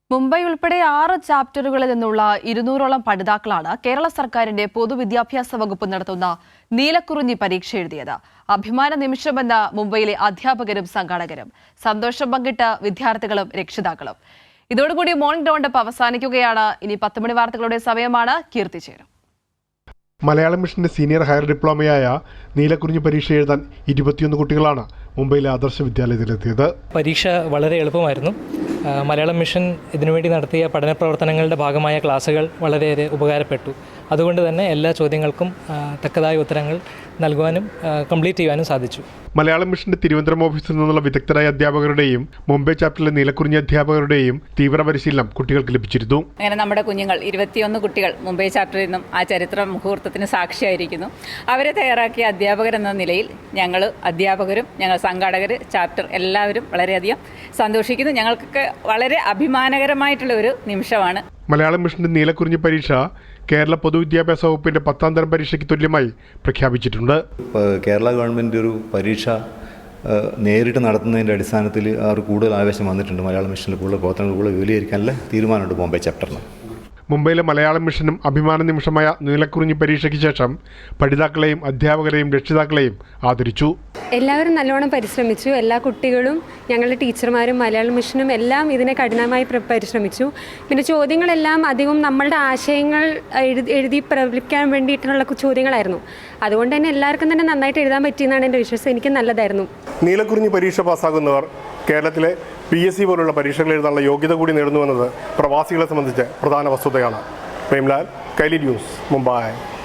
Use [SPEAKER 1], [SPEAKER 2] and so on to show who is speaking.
[SPEAKER 1] മുംബൈ ഉൾപ്പെടെ 6 ചാപ്റ്ററുകളിൽ നിന്നുള്ള 200ഓളം പഠിതാക്കളാണ് കേരള സർക്കാരിന്റെ പൊതുവിദ്യാഭ്യാസ വകുപ്പ് നടത്തുന്ന നീലക്കുറിഞ്ഞി പരീക്ഷ എഴുതിയത്. അഭിമാന നിമിഷമെന്ന് മുംബൈയിലെ അധ്യാപകരും സംഘാടകരും. സന്തോഷം പങ്കിട്ട വിദ്യാർത്ഥികളും രക്ഷിതാക്കളും. ഇതോടുകൂടി മോർണിംഗ് റൗണ്ടപ്പ് അവസാനിക്കുകയാണ്. ഇനി 10 മണി വാർത്തകളുടെ സമയമാണ്. കീർത്തി ചേരും.
[SPEAKER 2] മലയാളം മിഷന്റെ സീനിയർ ഹയർ ഡിപ്ലോമയായ നീലക്കുറിഞ്ഞി പരീക്ഷ എഴുതാൻ 21 കുട്ടികളാണ് മുംബൈയിലെ ആദർശ വിദ്യാലയത്തിലെത്തിയത്.
[SPEAKER 3] പരീക്ഷ വളരെ എളുപ്പമായിരുന്നു. മലയാളം മിഷൻ ഇതിനുവേണ്ടി നടത്തിയ പഠന പ്രവർത്തനങ്ങളുടെ ഭാഗമായ ക്ലാസുകൾ വളരെയേറെ ഉപകാരപ്പെട്ടു. അതുകൊണ്ട് തന്നെ എല്ലാ ചോദ്യങ്ങൾക്കും തക്കതായ ഉത്തരങ്ങൾ നൽകുവാനും കംപ്ലീറ്റ് ചെയ്യാനും സാധിച്ചു.
[SPEAKER 2] മലയാളം മിഷന്റെ തിരുവനന്തപുരം ഓഫീസിൽ നിന്നുള്ള വിദഗ്ധരായ അധ്യാപകരുടെയും മുംബൈ ചാപ്റ്ററിലെ നീലക്കുറിഞ്ഞി അധ്യാപകരുടെയും തീവ്ര പരിശീലനം കുട്ടികൾക്ക് ലഭിച്ചിരുന്നു.
[SPEAKER 4] അങ്ങനെ നമ്മുടെ കുഞ്ഞുങ്ങൾ 21 കുട്ടികൾ മുംബൈ ചാപ്റ്ററിൽ നിന്നും ആ ചരിത്ര മുഹൂർത്തത്തിന് സാക്ഷിയായിരിക്കുന്നു. അവരെ തയ്യാറാക്കിയ അധ്യാപകരെന്ന നിലയിൽ ഞങ്ങൾ അധ്യാപകരും ഞങ്ങൾ സംഘാടകർ ചാപ്റ്റർ എല്ലാവരും വളരെയധികം സന്തോഷിക്കുന്നു. ഞങ്ങൾക്കൊക്കെ വളരെ അഭിമാനകരമായിട്ടുള്ള ഒരു നിമിഷമാണ്.
[SPEAKER 2] മലയാളം മിഷന്റെ നീലക്കുറിഞ്ഞി പരീക്ഷ കേരള പൊതുവിദ്യാഭ്യാസ വകുപ്പിന്റെ 10ാം തരം പരീക്ഷയ്ക്ക് തുല്യമായി പ്രഖ്യാപിച്ചിട്ടുണ്ട്.
[SPEAKER 5] കേരള ഗവൺമെൻറ് ഒരു പരീക്ഷ നേരിട്ട് നടത്തുന്നതിൻ്റെ അടിസ്ഥാനത്തിൽ അവർ കൂടുതൽ ആവേശം വന്നിട്ടുണ്ട്. മലയാളം മിഷനിൽ കൂടുതൽ പ്രവർത്തനങ്ങൾ കൂടുതൽ വിപുലീകരിക്കാനുള്ള തീരുമാനമുണ്ട് മുംബൈ ചാപ്റ്ററിന്.
[SPEAKER 2] മുംബൈയിലെ മലയാളം മിഷനും അഭിമാന നിമിഷമായ നീലക്കുറിഞ്ഞി പരീക്ഷയ്ക്ക് ശേഷം പഠിതാക്കളെയും അധ്യാപകരെയും രക്ഷിതാക്കളെയും ആദരിച്ചു.
[SPEAKER 6] എല്ലാവരും നല്ലോണം പരിശ്രമിച്ചു. എല്ലാ കുട്ടികളും ഞങ്ങളുടെ ടീച്ചർമാരും മലയാളം മിഷനും എല്ലാം ഇതിനെ കഠിനമായി പരിശ്രമിച്ചു. പിന്നെ ചോദ്യങ്ങളെല്ലാം അധികം നമ്മളുടെ ആശയങ്ങൾ എഴുതി പ്രകടിപ്പിക്കാൻ വേണ്ടിയിട്ടുള്ള ചോദ്യങ്ങളായിരുന്നു. അതുകൊണ്ട് തന്നെ എല്ലാവർക്കും തന്നെ നന്നായിട്ട് എഴുതാൻ പറ്റിയെന്നാണ് എൻ്റെ വിശ്വാസം. എനിക്ക് നല്ലതായിരുന്നു.
[SPEAKER 2] നീലക്കുറിഞ്ഞി പരീക്ഷ പാസ്സാകുന്നവർ കേരളത്തിലെ PSC പോലുള്ള പരീക്ഷകൾ എഴുതാനുള്ള യോഗ്യത കൂടി നേടുന്നുവെന്നത് പ്രവാസികളെ സംബന്ധിച്ച് പ്രധാന വസ്തുതയാണ്. പ്രേംലാൽ, കൈലി ന്യൂസ്, മുംബൈ.